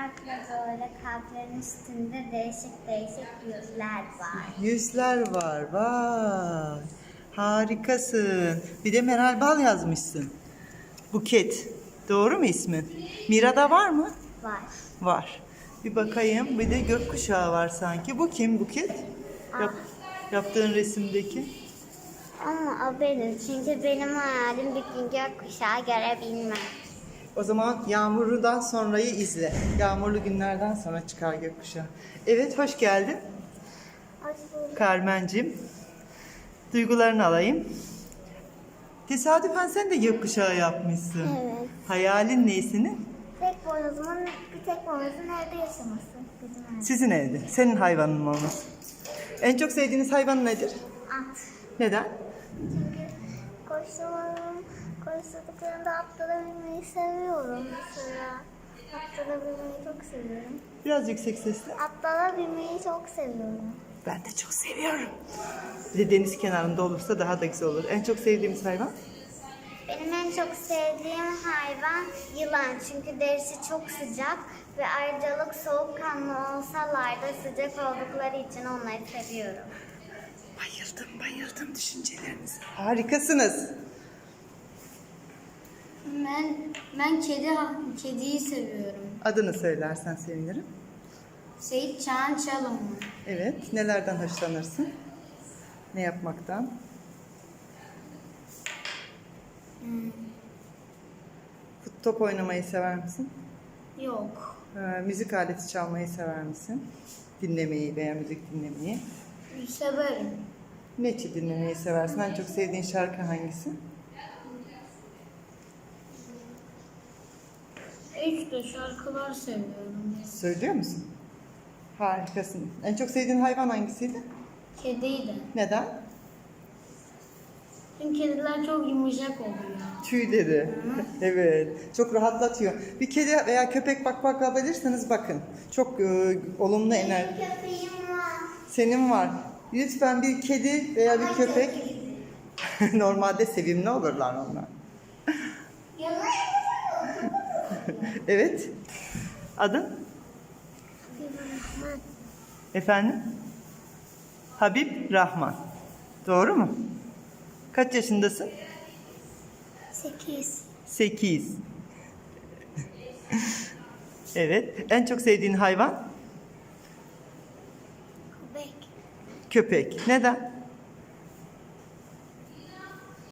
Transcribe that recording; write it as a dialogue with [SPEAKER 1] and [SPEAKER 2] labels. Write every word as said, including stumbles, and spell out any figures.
[SPEAKER 1] farklı böyle kalplerin üstünde değişik değişik yüzler var.
[SPEAKER 2] Yüzler var. Vay. Harikasın. Bir de Meral Bal yazmışsın. Buket. Doğru mu ismin? Mira'da var mı?
[SPEAKER 1] Var.
[SPEAKER 2] Var. Bir bakayım. Bir de gökkuşağı var sanki. Bu kim Buket? Yap, yaptığın resimdeki.
[SPEAKER 1] Ama o benim. Çünkü benim hayalim bir gün gökkuşağı görebilmek.
[SPEAKER 2] O zaman yağmurludan sonrayı izle. Yağmurlu günlerden sonra çıkar gökkuşağı. Evet, hoş geldin
[SPEAKER 1] Hoş bulduk.
[SPEAKER 2] Carmen'cim. Duygularını alayım. Tesadüfen sen de gökkuşağı yapmışsın.
[SPEAKER 1] Evet.
[SPEAKER 2] Hayalin ne senin?
[SPEAKER 1] Tek boynuzumun, bir tek boynuzun evde yaşaması. Bizim evde.
[SPEAKER 2] Sizin evde. Senin hayvanın mı olması? En çok sevdiğiniz hayvan nedir?
[SPEAKER 1] At.
[SPEAKER 2] Neden?
[SPEAKER 1] Çünkü koştuğum, koşturduklarında atlanabilmeyi seviyorum mesela. Atlanabilmeyi çok seviyorum.
[SPEAKER 2] Biraz yüksek sesle.
[SPEAKER 1] Atlanabilmeyi çok seviyorum.
[SPEAKER 2] Ben de çok seviyorum. Bir de deniz kenarında olursa daha da güzel olur. En çok sevdiğimiz hayvan?
[SPEAKER 1] Benim en çok sevdiğim hayvan yılan. Çünkü derisi çok sıcak ve ayrıcalık soğukkanlı olsalar da sıcak oldukları için onları seviyorum.
[SPEAKER 2] Bayıldım, bayıldım düşüncelerinize. Harikasınız.
[SPEAKER 3] Ben ben kedi kediyi seviyorum.
[SPEAKER 2] Adını söylersen sevinirim.
[SPEAKER 3] Seyit Çağan Çalımlı.
[SPEAKER 2] Evet, nelerden hoşlanırsın? Ne yapmaktan?
[SPEAKER 3] Hmm,
[SPEAKER 2] Fut- Top oynamayı sever misin?
[SPEAKER 3] yok.
[SPEAKER 2] Ee, müzik aleti çalmayı sever misin? Dinlemeyi veya müzik dinlemeyi.
[SPEAKER 3] Severim.
[SPEAKER 2] Ne tür dinlemeyi seversin? En çok sevdiğin şarkı hangisi?
[SPEAKER 3] İşte şarkılar seviyorum.
[SPEAKER 2] Söylüyor musun? Harikasın. En çok sevdiğin hayvan hangisiydi?
[SPEAKER 3] Kediydi.
[SPEAKER 2] Neden?
[SPEAKER 3] Çünkü kediler çok yumuşak oluyor.
[SPEAKER 2] Tüyleri. Evet. Çok rahatlatıyor. Bir kedi veya köpek bak bakabilirseniz bakın. Çok e, olumlu enerji.
[SPEAKER 1] Köpeğim var.
[SPEAKER 2] Senin var. Lütfen bir kedi veya bir köpek. Normalde sevimli olurlar onlar. Evet. Adın? Efendim? Habib Rahman. Doğru mu? Kaç yaşındasın?
[SPEAKER 1] Sekiz.
[SPEAKER 2] Sekiz. Evet. En çok sevdiğin hayvan?
[SPEAKER 1] Köpek.
[SPEAKER 2] Köpek. Neden?